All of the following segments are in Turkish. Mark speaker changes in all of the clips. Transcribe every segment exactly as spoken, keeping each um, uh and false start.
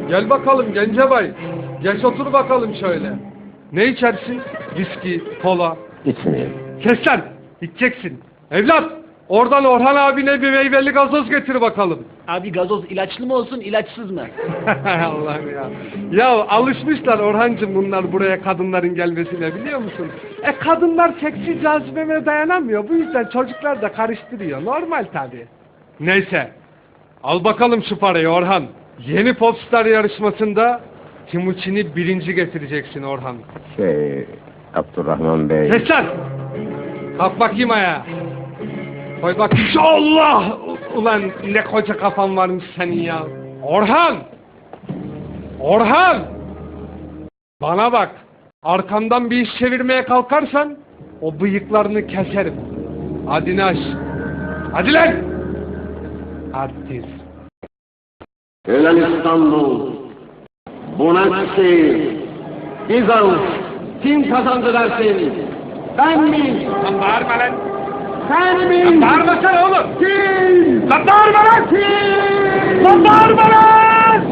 Speaker 1: Gel bakalım Gencebay. Geç otur bakalım şöyle. Ne içersin? Viski, kola.
Speaker 2: İçmeyeyim.
Speaker 1: Kes lan! İçeceksin. Evlat! Oradan Orhan abine bir meyveli gazoz getir bakalım.
Speaker 3: Abi gazoz ilaçlı mı olsun ilaçsız mı?
Speaker 1: Allah'ım ya. Ya alışmışlar Orhancığım bunlar buraya kadınların gelmesine biliyor musun? E kadınlar seksi cazibeme dayanamıyor. Bu yüzden çocuklar da karıştırıyor. Normal tabii. Neyse. Al bakalım şu parayı Orhan. Yeni Popstar yarışmasında Timuçin'i birinci getireceksin Orhan.
Speaker 2: Şey, Abdurrahman Bey.
Speaker 1: Kes lan! Kalk bakayım ayağa. Koy bak. Allah! Ulan ne koca kafan varmış senin ya. Orhan! Orhan! Bana bak. Arkamdan bir iş çevirmeye kalkarsan o bıyıklarını keserim. Hadi Naş. Hadi lan! Artist.
Speaker 2: Ölen İstanbul, Bonaksehir, Bizans, kim kazandı dersin? Ben mi?
Speaker 1: Lan bağırma lan!
Speaker 2: Sen mi?
Speaker 1: Lan bağırmasana oğlum!
Speaker 2: Kim?
Speaker 1: Lan bağırma lan!
Speaker 2: Kim?
Speaker 1: Lan bağırma lan!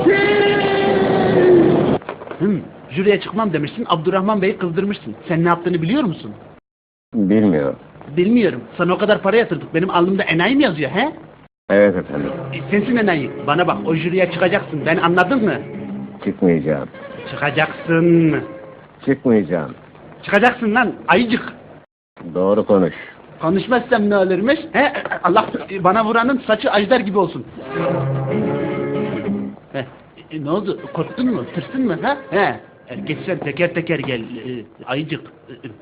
Speaker 3: Hım, jüriye çıkmam demişsin, Abdurrahman Bey'i kızdırmışsın. Sen ne yaptığını biliyor musun?
Speaker 2: Bilmiyorum.
Speaker 3: Bilmiyorum. Sana o kadar para yatırdık. Benim alnımda enayi mi yazıyor he?
Speaker 2: Evet efendim.
Speaker 3: E, sensin enayi. Bana bak o jüriye çıkacaksın. Ben anladın mı?
Speaker 2: Çıkmayacağım.
Speaker 3: Çıkacaksın.
Speaker 2: Çıkmayacağım.
Speaker 3: Çıkacaksın lan ayıcık.
Speaker 2: Doğru konuş.
Speaker 3: Konuşmazsam ne olurmuş? He? Allah bana vuranın saçı ajdar gibi olsun. He. E, ne oldu? Korktun mu? Tırsın mı? Ha? He. E, geç sen teker teker gel. E, ayıcık. E,